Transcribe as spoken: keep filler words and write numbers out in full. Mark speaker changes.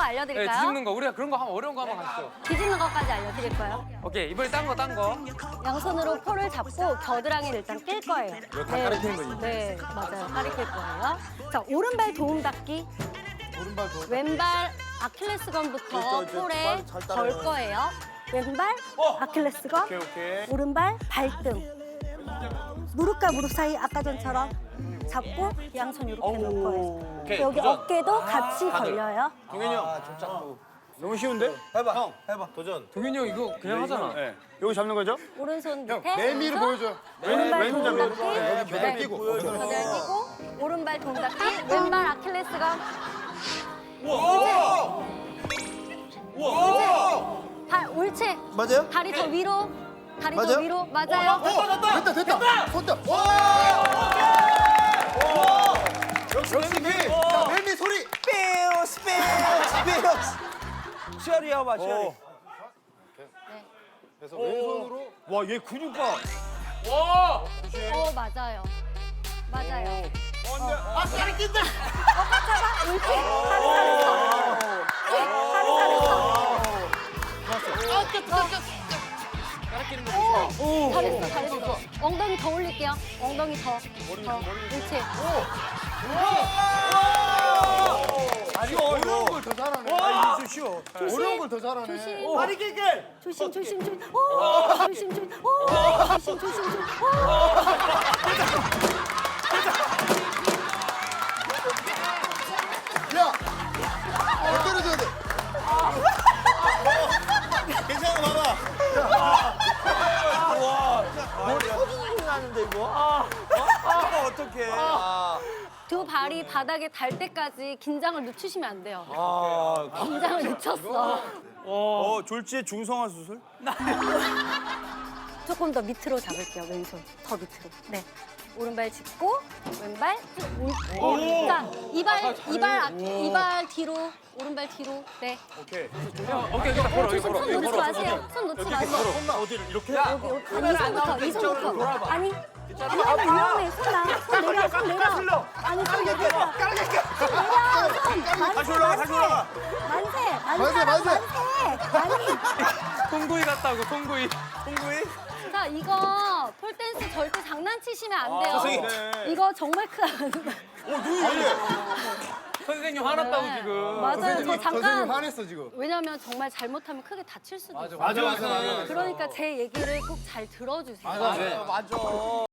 Speaker 1: 네,
Speaker 2: 알려드릴까요?
Speaker 1: 뒤집는 거. 우리가 그런 거 하면 어려운 거 한번 가시죠.
Speaker 2: 뒤집는 것까지 알려드릴 거예요.
Speaker 1: 오케이, 이번에 딴 거, 딴 거.
Speaker 2: 양손으로 폴을 잡고 겨드랑이를 일단 낄 거예요.
Speaker 1: 이거 다 가리키는 거지.
Speaker 2: 네, 맞아요. 가리킬 거예요. 자, 오른발 도움 닫기.
Speaker 3: 오른발 더.
Speaker 2: 왼발 아킬레스건부터
Speaker 3: 저, 저,
Speaker 2: 폴에
Speaker 3: 발 잘 따라요.
Speaker 2: 걸 거예요. 왼발 아킬레스건,
Speaker 3: 오케이 오케이.
Speaker 2: 오른발 발등. 무릎과 무릎 사이 아까 전처럼 잡고 양손 이렇게 놓을 거예요.
Speaker 3: 오케이,
Speaker 2: 여기
Speaker 3: 도전.
Speaker 2: 어깨도 같이 걸려요.
Speaker 3: 동현이 형. 좀 잡고. 너무 쉬운데? 해봐. 형 해봐. 도전.
Speaker 1: 동현이 형 이거 그냥 하잖아.
Speaker 3: 네. 여기 잡는 거죠?
Speaker 2: 오른손 밑에
Speaker 3: 매미를
Speaker 2: 왼손,
Speaker 3: 보여줘요.
Speaker 2: 오른발
Speaker 3: 왼손
Speaker 2: 도움
Speaker 3: 잡는
Speaker 2: 닫기.
Speaker 3: 거. 여기 겨드랑이
Speaker 2: 네.
Speaker 3: 끼고.
Speaker 2: 겨드랑이 끼고 오른발 도움 닫기. 왼발 아킬레스건.
Speaker 3: 우와! 우와!
Speaker 2: 발 옳지.
Speaker 3: 맞아요?
Speaker 2: 다리 더 위로. 다리 더
Speaker 3: 맞아요?
Speaker 2: 위로. 맞아요.
Speaker 3: 됐다 됐다. 손다. 와! 역시 매미. 자, 매미 소리.
Speaker 4: 빼요스 빼요스 빼요스 시아리 해봐 시아리
Speaker 3: 그래서 왼손으로. 와, 얘 근육 봐.
Speaker 2: 어, 맞아요. 맞아요.
Speaker 3: 아, 다리 낀다.
Speaker 2: 잡아. 옳지. 다리 잘했어. 다리 잘했어. 오, 잘했어, 잘했어. 엉덩이 더 올릴게요. 엉덩이 더. 더. 옳지.
Speaker 3: 쉬워, 어려운 걸 더 잘하네. 아, 이게 쉬워. 어려운 걸 더 잘하네.
Speaker 2: 조심.
Speaker 4: 다리 길게
Speaker 2: 조심, 조심, 조심. 오, 조심, 조심. 오, 조심, 조심, 조심.
Speaker 3: 야! 더 때려줘야 돼.
Speaker 4: 괜찮아 봐봐 머리 소중하게 나는데 이거 아 어, 어떡해 아,
Speaker 2: 두 발이 바닥에 닿을 때까지 긴장을 늦추시면 안 돼요.
Speaker 4: 아,
Speaker 2: 긴장을 늦췄어.
Speaker 4: 어 졸지에 중성화 수술?
Speaker 2: 조금 더 밑으로 잡을게요, 왼손. 더 밑으로. 네. 오른발 짚고, 왼발 쭉. 올- 자, 이발, 이발, 아- 이발 뒤로, 오른발 뒤로. 네.
Speaker 3: 오케이.
Speaker 1: 오케이, 일단 걸어,
Speaker 2: 조심,
Speaker 1: 걸어.
Speaker 2: 손 놓지 마세요. 손 놓지 마세요.
Speaker 3: 손나 어디를 이렇게?
Speaker 2: 여기, 여기. 아니, 이 손부터, 이 손부터. 아니, 아니, 아니, 위험해. 손 나. 손 내려, 손 내려. 아니, 손 내려. 손 내려, 손.
Speaker 4: 다시 올라가 다시 올라가
Speaker 2: 만세,
Speaker 3: 만세,
Speaker 2: 만세,
Speaker 3: 만세.
Speaker 2: 만세. 아니.
Speaker 1: 송구이 같다고, 송구이.
Speaker 4: 홍구이
Speaker 2: 자, 이거 폴댄스 절대 장난치시면 안 돼요.
Speaker 4: 선생님.
Speaker 2: 이거 정말 큰.
Speaker 4: 어 눈이 왜 이래
Speaker 1: 선생님 화났다고
Speaker 2: 네.
Speaker 1: 지금.
Speaker 2: 맞아요. 저
Speaker 3: 선생님
Speaker 2: 잠깐.
Speaker 3: 화냈어 지금.
Speaker 2: 왜냐면 정말 잘못하면 크게 다칠 수도 있어요.
Speaker 3: 맞아 맞아 맞아.
Speaker 2: 그러니까 제 얘기를 꼭 잘 들어주세요.
Speaker 3: 맞아 맞아.